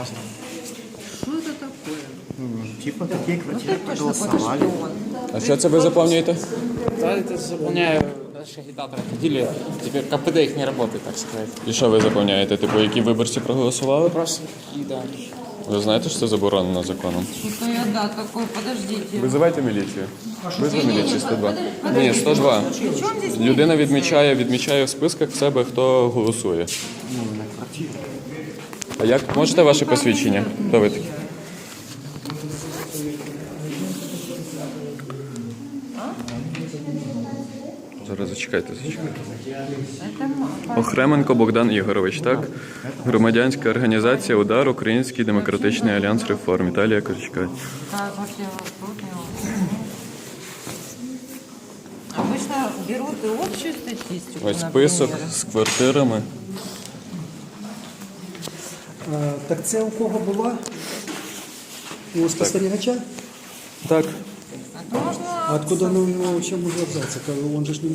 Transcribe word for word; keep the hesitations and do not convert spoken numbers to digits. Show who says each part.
Speaker 1: разные.
Speaker 2: Что это такое?
Speaker 1: Типа такие
Speaker 2: Ну
Speaker 1: квартиры
Speaker 2: ты точно будешь
Speaker 1: проголосовали.
Speaker 2: шпион.
Speaker 3: А що це ви заповнюєте?
Speaker 4: Да, это заполняю. Раньше агитаторы ходили, теперь КПД их не работает, так сказать.
Speaker 3: І що ви заповняєте? Типу, які виборці проголосували?
Speaker 4: Просто какие, да.
Speaker 3: Ви знаєте, що це заборонено законом?
Speaker 2: Что-то я, да, такой, подождите.
Speaker 3: Визивайте міліцію. Визви міліцію сто два.
Speaker 2: Подождите.
Speaker 3: Ні, сто два.
Speaker 2: При чем здесь
Speaker 3: Людина відмічає, відмічає в списках в себе, хто голосує.
Speaker 1: Ну, на квартиру.
Speaker 3: А як можете ваше посвідчення? Хто ви такі? Зараз зачекайте, зачекайте. Охременко Богдан Ігорович, так? Громадянська організація «Удар. Український демократичний альянс реформ». Італія Корчка.
Speaker 2: Как вообще тут его? Обычно берут и общую статистику,
Speaker 3: Ось список
Speaker 2: например.
Speaker 3: з квартирами.
Speaker 5: А, так це у кого була? У спостерігача?
Speaker 3: Так.
Speaker 2: Это можно
Speaker 5: А откуда ну, в чому ж абзац? Он же ж не